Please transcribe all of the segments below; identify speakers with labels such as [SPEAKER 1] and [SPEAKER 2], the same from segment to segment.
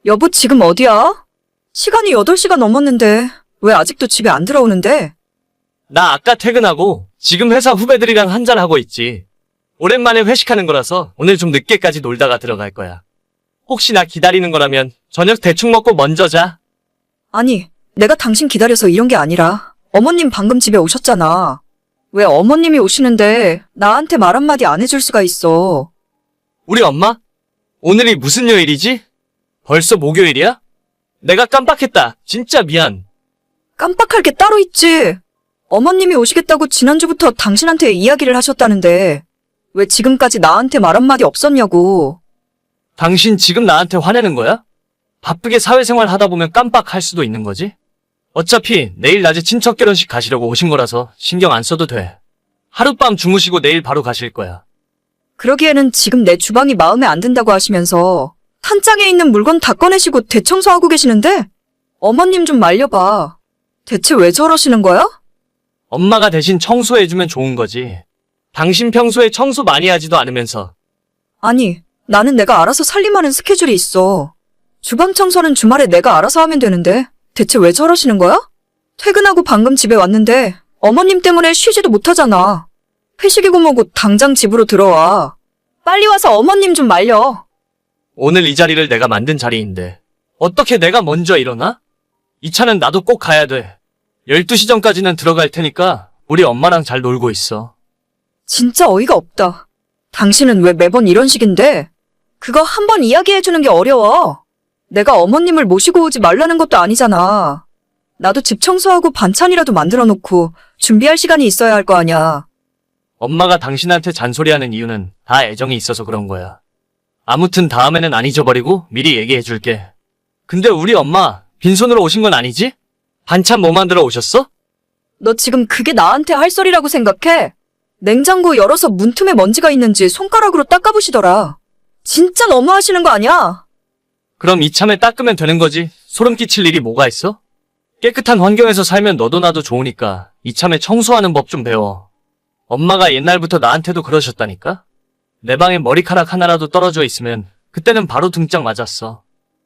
[SPEAKER 1] 여보, 지금 어디야? 시간이 8시가 넘었는데 왜 아직도 집에 안 들어오는데?
[SPEAKER 2] 나 아까 퇴근하고 지금 회사 후배들이랑 한잔하고 있지. 오랜만에 회식하는 거라서 오늘 좀 늦게까지 놀다가 들어갈 거야. 혹시 나 기다리는 거라면 저녁 대충 먹고 먼저 자.
[SPEAKER 1] 아니, 내가 당신 기다려서 이런 게 아니라 어머님 방금 집에 오셨잖아. 왜 어머님이 오시는데 나한테 말 한마디 안 해줄 수가 있어?
[SPEAKER 2] 우리 엄마? 오늘이 무슨 요일이지? 벌써 목요일이야? 내가 깜빡했다. 진짜 미안.
[SPEAKER 1] 깜빡할 게 따로 있지. 어머님이 오시겠다고 지난주부터 당신한테 이야기를 하셨다는데 왜 지금까지 나한테 말 한마디 없었냐고.
[SPEAKER 2] 당신 지금 나한테 화내는 거야? 바쁘게 사회생활 하다 보면 깜빡할 수도 있는 거지? 어차피 내일 낮에 친척 결혼식 가시려고 오신 거라서 신경 안 써도 돼. 하룻밤 주무시고 내일 바로 가실 거야.
[SPEAKER 1] 그러기에는 지금 내 주방이 마음에 안 든다고 하시면서 탄장에 있는 물건 다 꺼내시고 대청소하고 계시는데 어머님 좀 말려봐. 대체 왜 저러시는 거야?
[SPEAKER 2] 엄마가 대신 청소해주면 좋은 거지. 당신 평소에 청소 많이 하지도 않으면서.
[SPEAKER 1] 아니, 나는 내가 알아서 살림하는 스케줄이 있어. 주방 청소는 주말에 내가 알아서 하면 되는데 대체 왜 저러시는 거야? 퇴근하고 방금 집에 왔는데 어머님 때문에 쉬지도 못하잖아. 회식이고 뭐고 당장 집으로 들어와. 빨리 와서 어머님 좀 말려.
[SPEAKER 2] 오늘 이 자리를 내가 만든 자리인데 어떻게 내가 먼저 일어나? 이 차는 나도 꼭 가야 돼. 12시 전까지는 들어갈 테니까 우리 엄마랑 잘 놀고 있어.
[SPEAKER 1] 진짜 어이가 없다. 당신은 왜 매번 이런 식인데? 그거 한번 이야기해주는 게 어려워. 내가 어머님을 모시고 오지 말라는 것도 아니잖아. 나도 집 청소하고 반찬이라도 만들어 놓고 준비할 시간이 있어야 할 거 아냐.
[SPEAKER 2] 엄마가 당신한테 잔소리하는 이유는 다 애정이 있어서 그런 거야. 아무튼 다음에는 안 잊어버리고 미리 얘기해줄게. 근데 우리 엄마 빈손으로 오신 건 아니지? 반찬 뭐 만들어 오셨어?
[SPEAKER 1] 너 지금 그게 나한테 할 소리라고 생각해? 냉장고 열어서 문틈에 먼지가 있는지 손가락으로 닦아보시더라. 진짜 너무하시는 거 아니야?
[SPEAKER 2] 그럼 이참에 닦으면 되는 거지. 소름 끼칠 일이 뭐가 있어? 깨끗한 환경에서 살면 너도 나도 좋으니까 이참에 청소하는 법 좀 배워. 엄마가 옛날부터 나한테도 그러셨다니까? 내 방에 머리카락 하나라도 떨어져 있으면 그때는 바로 등짝 맞았어.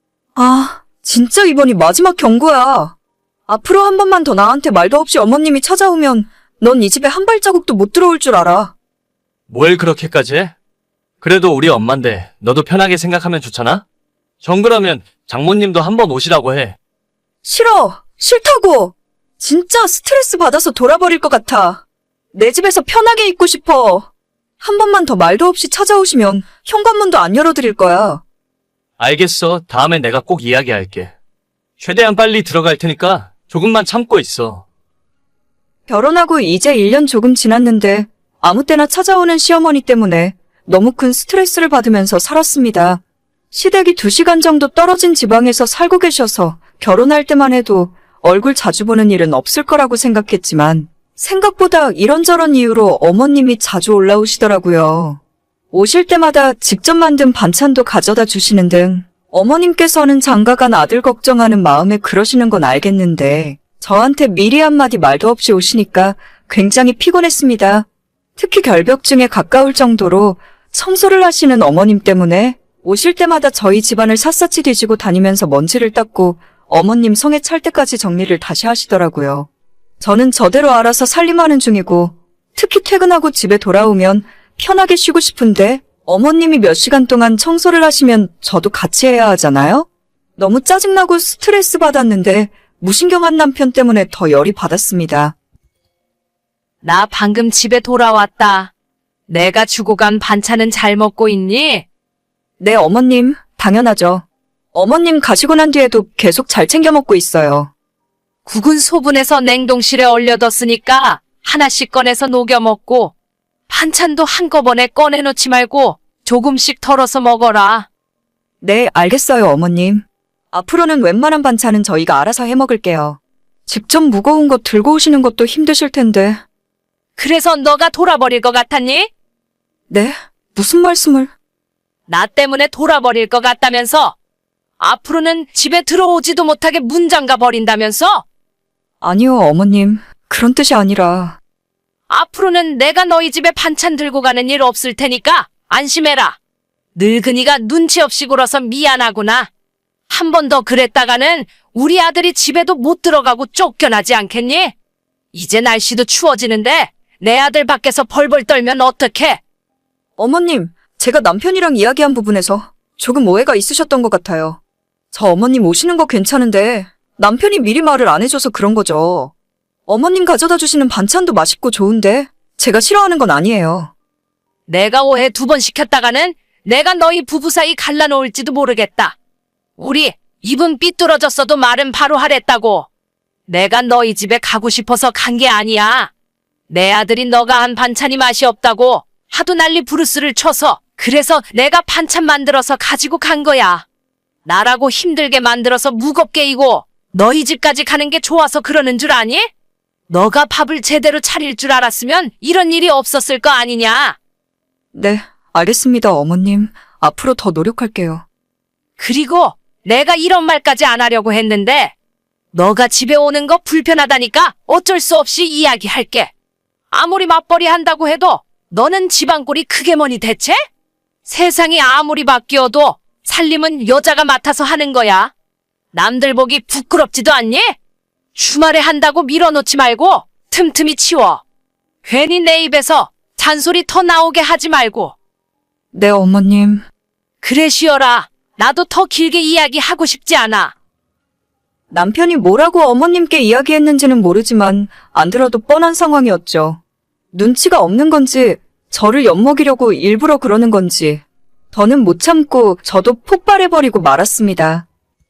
[SPEAKER 1] 아, 진짜 이번이 마지막 경고야. 앞으로 한 번만 더 나한테 말도 없이 어머님이 찾아오면 넌 이 집에 한 발자국도 못 들어올 줄 알아.
[SPEAKER 2] 뭘 그렇게까지 해? 그래도 우리 엄만데 너도 편하게 생각하면 좋잖아? 정그러면 장모님도 한번 오시라고 해.
[SPEAKER 1] 싫어. 싫다고. 진짜 스트레스 받아서 돌아버릴 것 같아. 내 집에서 편하게 있고 싶어. 한 번만 더 말도 없이 찾아오시면 현관문도 안 열어드릴 거야.
[SPEAKER 2] 알겠어. 다음에 내가 꼭 이야기할게. 최대한 빨리 들어갈 테니까 조금만 참고 있어.
[SPEAKER 1] 결혼하고 이제 1년 조금 지났는데 아무 때나 찾아오는 시어머니 때문에 너무 큰 스트레스를 받으면서 살았습니다. 시댁이 2시간 정도 떨어진 지방에서 살고 계셔서 결혼할 때만 해도 얼굴 자주 보는 일은 없을 거라고 생각했지만 생각보다 이런저런 이유로 어머님이 자주 올라오시더라고요. 오실 때마다 직접 만든 반찬도 가져다 주시는 등 어머님께서는 장가간 아들 걱정하는 마음에 그러시는 건 알겠는데 저한테 미리 한마디 말도 없이 오시니까 굉장히 피곤했습니다. 특히 결벽증에 가까울 정도로 청소를 하시는 어머님 때문에 오실 때마다 저희 집안을 샅샅이 뒤지고 다니면서 먼지를 닦고 어머님 성에 찰 때까지 정리를 다시 하시더라고요. 저는 저대로 알아서 살림하는 중이고 특히 퇴근하고 집에 돌아오면 편하게 쉬고 싶은데 어머님이 몇 시간 동안 청소를 하시면 저도 같이 해야 하잖아요? 너무 짜증나고 스트레스 받았는데 무신경한 남편 때문에 더 열이 받았습니다.
[SPEAKER 3] 나 방금 집에 돌아왔다. 내가 주고 간 반찬은 잘 먹고 있니?
[SPEAKER 1] 네, 어머님. 당연하죠. 어머님 가시고 난 뒤에도 계속 잘 챙겨 먹고 있어요.
[SPEAKER 3] 국은 소분해서 냉동실에 얼려뒀으니까 하나씩 꺼내서 녹여 먹고 반찬도 한꺼번에 꺼내놓지 말고 조금씩 덜어서 먹어라.
[SPEAKER 1] 네, 알겠어요, 어머님. 앞으로는 웬만한 반찬은 저희가 알아서 해 먹을게요. 직접 무거운 거 들고 오시는 것도 힘드실 텐데.
[SPEAKER 3] 그래서 너가 돌아버릴 것 같았니?
[SPEAKER 1] 네? 무슨 말씀을?
[SPEAKER 3] 나 때문에 돌아버릴 것 같다면서? 앞으로는 집에 들어오지도 못하게 문 잠가 버린다면서?
[SPEAKER 1] 아니요, 어머님. 그런 뜻이 아니라.
[SPEAKER 3] 앞으로는 내가 너희 집에 반찬 들고 가는 일 없을 테니까 안심해라. 늙은이가 눈치 없이 굴어서 미안하구나. 한 번 더 그랬다가는 우리 아들이 집에도 못 들어가고 쫓겨나지 않겠니? 이제 날씨도 추워지는데 내 아들 밖에서 벌벌 떨면 어떡해?
[SPEAKER 1] 어머님, 제가 남편이랑 이야기한 부분에서 조금 오해가 있으셨던 것 같아요. 저 어머님 오시는 거 괜찮은데 남편이 미리 말을 안 해줘서 그런 거죠. 어머님 가져다 주시는 반찬도 맛있고 좋은데 제가 싫어하는 건 아니에요.
[SPEAKER 3] 내가 오해 2번 시켰다가는 내가 너희 부부 사이 갈라놓을지도 모르겠다. 우리 입은 삐뚤어졌어도 말은 바로 하랬다고. 내가 너희 집에 가고 싶어서 간 게 아니야. 내 아들이 너가 한 반찬이 맛이 없다고 하도 난리 부르스를 쳐서 그래서 내가 반찬 만들어서 가지고 간 거야. 나라고 힘들게 만들어서 무겁게 이고 너희 집까지 가는 게 좋아서 그러는 줄 아니? 너가 밥을 제대로 차릴 줄 알았으면 이런 일이 없었을 거 아니냐?
[SPEAKER 1] 네, 알겠습니다, 어머님. 앞으로 더 노력할게요.
[SPEAKER 3] 그리고 내가 이런 말까지 안 하려고 했는데 너가 집에 오는 거 불편하다니까 어쩔 수 없이 이야기할게. 아무리 맞벌이 한다고 해도 너는 집안 꼴이 크게 뭐니 대체? 세상이 아무리 바뀌어도 살림은 여자가 맡아서 하는 거야. 남들 보기 부끄럽지도 않니? 주말에 한다고 밀어놓지 말고 틈틈이 치워. 괜히 내 입에서 잔소리 더 나오게 하지 말고.
[SPEAKER 1] 네, 어머님.
[SPEAKER 3] 그래 쉬어라. 나도 더 길게 이야기하고 싶지 않아.
[SPEAKER 1] 남편이 뭐라고 어머님께 이야기했는지는 모르지만 안 들어도 뻔한 상황이었죠. 눈치가 없는 건지 저를 엿먹이려고 일부러 그러는 건지 더는 못 참고 저도 폭발해버리고 말았습니다.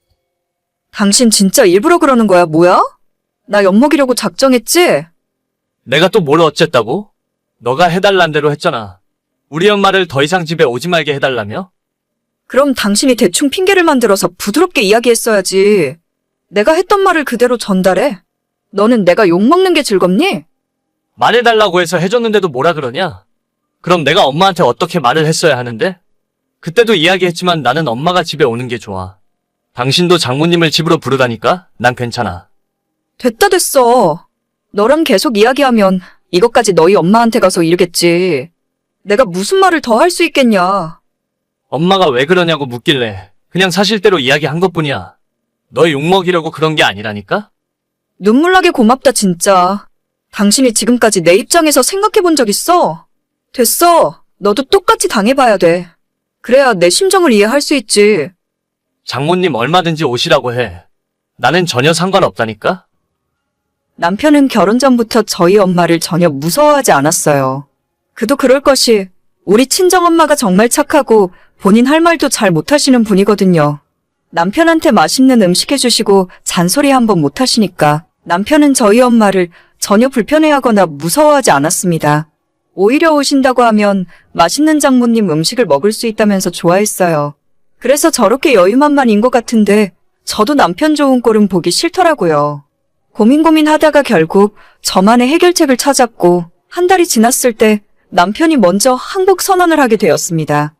[SPEAKER 1] 당신 진짜 일부러 그러는 거야, 뭐야? 나 엿먹이려고 작정했지?
[SPEAKER 2] 내가 또 뭘 어쨌다고? 너가 해달란 대로 했잖아. 우리 엄마를 더 이상 집에 오지 말게 해달라며?
[SPEAKER 1] 그럼 당신이 대충 핑계를 만들어서 부드럽게 이야기했어야지. 내가 했던 말을 그대로 전달해. 너는 내가 욕먹는 게 즐겁니?
[SPEAKER 2] 말해달라고 해서 해줬는데도 뭐라 그러냐? 그럼 내가 엄마한테 어떻게 말을 했어야 하는데? 그때도 이야기했지만 나는 엄마가 집에 오는 게 좋아. 당신도 장모님을 집으로 부르다니까? 난 괜찮아.
[SPEAKER 1] 됐다 됐어. 너랑 계속 이야기하면 이것까지 너희 엄마한테 가서 이르겠지. 내가 무슨 말을 더 할 수 있겠냐.
[SPEAKER 2] 엄마가 왜 그러냐고 묻길래 그냥 사실대로 이야기한 것뿐이야. 너 욕먹이려고 그런 게 아니라니까?
[SPEAKER 1] 눈물나게 고맙다 진짜. 당신이 지금까지 내 입장에서 생각해 본 적 있어? 됐어. 너도 똑같이 당해봐야 돼. 그래야 내 심정을 이해할 수 있지.
[SPEAKER 2] 장모님 얼마든지 오시라고 해. 나는 전혀 상관없다니까?
[SPEAKER 1] 남편은 결혼 전부터 저희 엄마를 전혀 무서워하지 않았어요. 그도 그럴 것이 우리 친정엄마가 정말 착하고 본인 할 말도 잘 못하시는 분이거든요. 남편한테 맛있는 음식 해주시고 잔소리 한번 못하시니까 남편은 저희 엄마를 전혀 불편해하거나 무서워하지 않았습니다. 오히려 오신다고 하면 맛있는 장모님 음식을 먹을 수 있다면서 좋아했어요. 그래서 저렇게 여유만만인 것 같은데 저도 남편 좋은 꼴은 보기 싫더라고요. 고민하다가 결국 저만의 해결책을 찾았고 한 달이 지났을 때 남편이 먼저 항복 선언을 하게 되었습니다.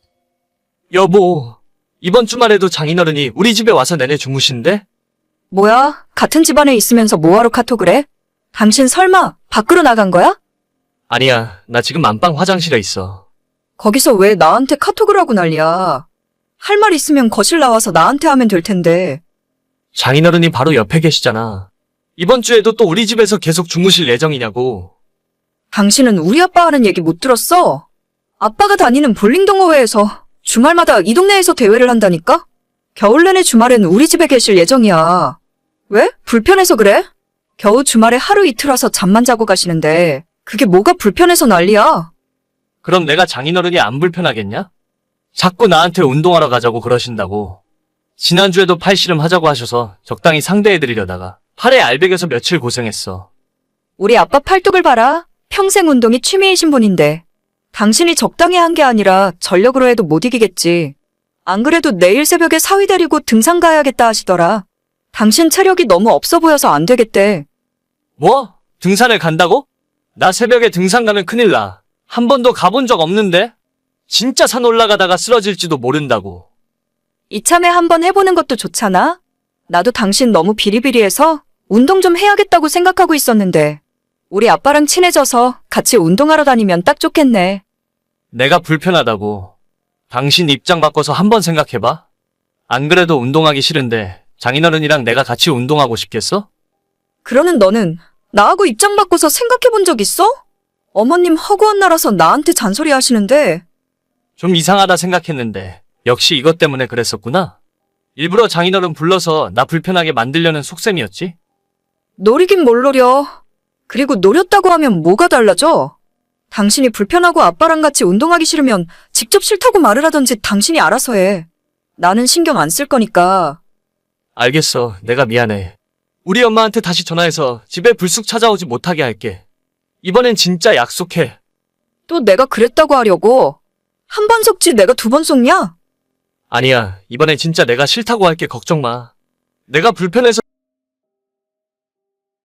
[SPEAKER 2] 여보, 이번 주말에도 장인어른이 우리 집에 와서 내내 주무신대?
[SPEAKER 1] 뭐야? 같은 집안에 있으면서 뭐하러 카톡을 해? 당신 설마 밖으로 나간 거야?
[SPEAKER 2] 아니야, 나 지금 안방 화장실에 있어.
[SPEAKER 1] 거기서 왜 나한테 카톡을 하고 난리야? 할 말 있으면 거실 나와서 나한테 하면 될 텐데.
[SPEAKER 2] 장인어른이 바로 옆에 계시잖아. 이번 주에도 또 우리 집에서 계속 주무실 예정이냐고.
[SPEAKER 1] 당신은 우리 아빠 하는 얘기 못 들었어? 아빠가 다니는 볼링 동호회에서 주말마다 이 동네에서 대회를 한다니까? 겨울 내내 주말엔 우리 집에 계실 예정이야. 왜? 불편해서 그래? 겨우 주말에 하루 이틀 와서 잠만 자고 가시는데 그게 뭐가 불편해서 난리야?
[SPEAKER 2] 그럼 내가 장인어른이 안 불편하겠냐? 자꾸 나한테 운동하러 가자고 그러신다고. 지난주에도 팔씨름 하자고 하셔서 적당히 상대해드리려다가 팔에 알배겨서 며칠 고생했어.
[SPEAKER 1] 우리 아빠 팔뚝을 봐라. 평생 운동이 취미이신 분인데. 당신이 적당히 한 게 아니라 전력으로 해도 못 이기겠지. 안 그래도 내일 새벽에 사위 데리고 등산 가야겠다 하시더라. 당신 체력이 너무 없어 보여서 안 되겠대.
[SPEAKER 2] 뭐? 등산을 간다고? 나 새벽에 등산 가면 큰일 나. 한 번도 가본 적 없는데? 진짜 산 올라가다가 쓰러질지도 모른다고.
[SPEAKER 1] 이참에 한번 해보는 것도 좋잖아. 나도 당신 너무 비리비리해서 운동 좀 해야겠다고 생각하고 있었는데 우리 아빠랑 친해져서 같이 운동하러 다니면 딱 좋겠네.
[SPEAKER 2] 내가 불편하다고. 당신 입장 바꿔서 한번 생각해봐. 안 그래도 운동하기 싫은데 장인어른이랑 내가 같이 운동하고 싶겠어?
[SPEAKER 1] 그러는 너는 나하고 입장 바꿔서 생각해 본 적 있어? 어머님 허구한 나라서 나한테 잔소리 하시는데
[SPEAKER 2] 좀 이상하다 생각했는데 역시 이것 때문에 그랬었구나. 일부러 장인어른 불러서 나 불편하게 만들려는 속셈이었지?
[SPEAKER 1] 노리긴 뭘 노려. 그리고 노렸다고 하면 뭐가 달라져? 당신이 불편하고 아빠랑 같이 운동하기 싫으면 직접 싫다고 말을 하던지 당신이 알아서 해. 나는 신경 안 쓸 거니까.
[SPEAKER 2] 알겠어. 내가 미안해. 우리 엄마한테 다시 전화해서 집에 불쑥 찾아오지 못하게 할게. 이번엔 진짜 약속해.
[SPEAKER 1] 또 내가 그랬다고 하려고. 한 번 속지 내가 두 번 속냐?
[SPEAKER 2] 아니야. 이번엔 진짜 내가 싫다고 할게. 걱정 마. 내가 불편해서